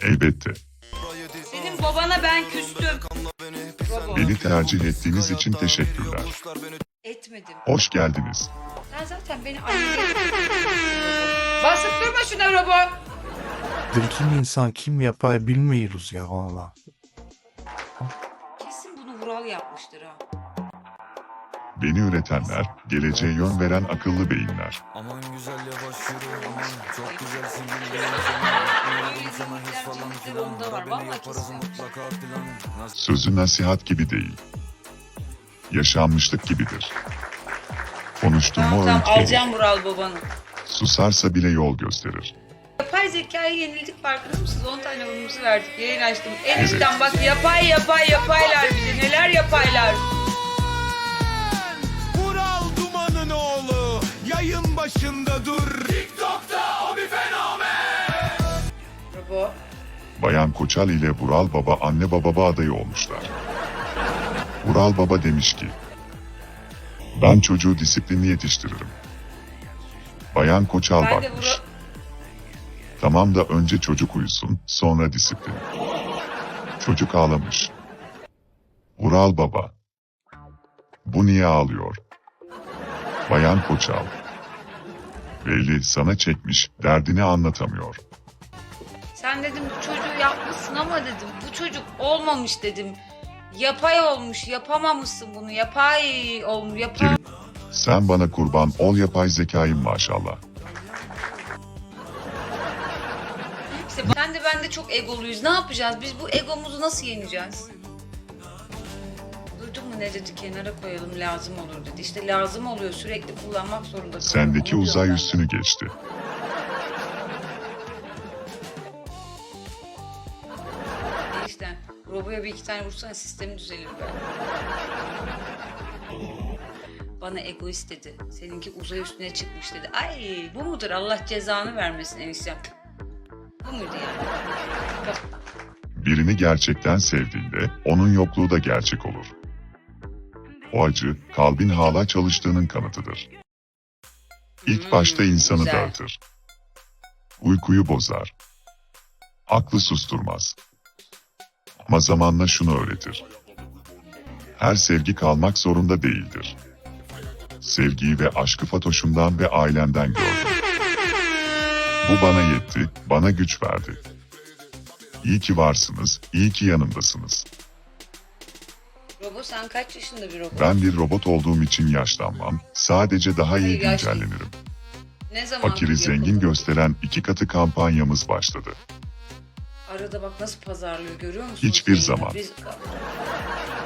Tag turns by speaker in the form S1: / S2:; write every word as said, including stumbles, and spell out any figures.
S1: Elbette.
S2: Senin babana ben küstüm. Robo.
S1: Beni tercih ettiğiniz için teşekkürler.
S2: Etmedim.
S1: Hoş geldiniz.
S2: Sen zaten beni anneye... Basıp durma şuna Robo.
S3: Kim insan kim yapar bilmiyoruz ya valla.
S2: Kesin bunu Vural yapmıştır ha.
S1: Beni üretenler, geleceğe yön veren akıllı beyinler.
S4: Aman güzel yavaş yürü aman çok güzelsin
S2: Öyle zihniyetler, cennetler onda var. Vallahi kesin.
S4: mutlaka plan. Nasıl
S1: Sözü nasihat gibi değil. Yaşanmışlık gibidir. Konuştuğumu
S2: Tamam tamam
S1: öğüt verir.
S2: alacağım Vural babanı.
S1: Susarsa bile yol gösterir.
S2: Yapay zekaya yenildik farkında mısınız? on tane oyunumuzu verdik. Yayın açtım. Enişten bak yapay yapay yapaylar bize. Neler yapaylar.
S5: Vural Duman'ın oğlu yayın başında dur. TikTok'ta o bir fenomen.
S2: Robo.
S1: Bayan Koçal ile Vural Baba anne baba adayı olmuşlar. Vural Baba demiş ki, ben çocuğu disiplinli yetiştiririm. Bayan Koçal
S2: Ben de
S1: bakmış.
S2: Vural...
S1: Tamam da önce çocuk uyusun, sonra disiplin. Çocuk ağlamış. Vural Baba. Bu niye ağlıyor? Bayan Koçal. Belli sana çekmiş, derdini anlatamıyor.
S2: Sen dedim bu çocuğu yapmışsın ama dedim bu çocuk olmamış dedim. Yapay olmuş, yapamamışsın bunu. Yapay olmuş, yapay.
S1: Kerim, sen bana kurban ol yapay zekayım maşallah.
S2: İşte sen de ben de çok egoluyuz. Ne yapacağız? Biz bu egomuzu nasıl yeneceğiz? Duydun mu ne dedi? Kenara koyalım lazım olur dedi. İşte lazım oluyor. Sürekli kullanmak zorunda kalıyorum.
S1: Sendeki
S2: Onu
S1: uzay
S2: diyorum ben.
S1: üstünü geçti.
S2: İşte Robo'ya bir iki tane vursana sistemi düzelir be. Bana egoist dedi. Seninki uzay üstüne çıkmış dedi. Ay bu mudur? Allah cezanı vermesin eniştem. Bu muydu yani?
S1: Birini gerçekten sevdiğinde, onun yokluğu da gerçek olur. O acı, kalbin hala çalıştığının kanıtıdır. İlk
S2: Hmm,
S1: başta insanı
S2: güzel.
S1: dağıtır. Uykuyu bozar. Aklı susturmaz. Ama zamanla şunu öğretir. Her sevgi kalmak zorunda değildir. Sevgiyi ve aşkı Fatoş'umdan ve ailemden gördüm. Bu bana yetti, bana güç verdi. İyi ki varsınız, iyi ki yanımdasınız.
S2: Robo sen kaç yaşında bir robot?
S1: Ben bir robot olduğum için yaşlanmam, sadece daha iyi
S2: Hayır, yaşlı-
S1: güncellenirim.
S2: Ne zaman
S1: Fakiri zengin gösteren iki katı kampanyamız başladı.
S2: Arada bak nasıl pazarlıyor görüyor musun?
S1: Hiçbir
S2: Zengin,
S1: zaman.
S2: Biz...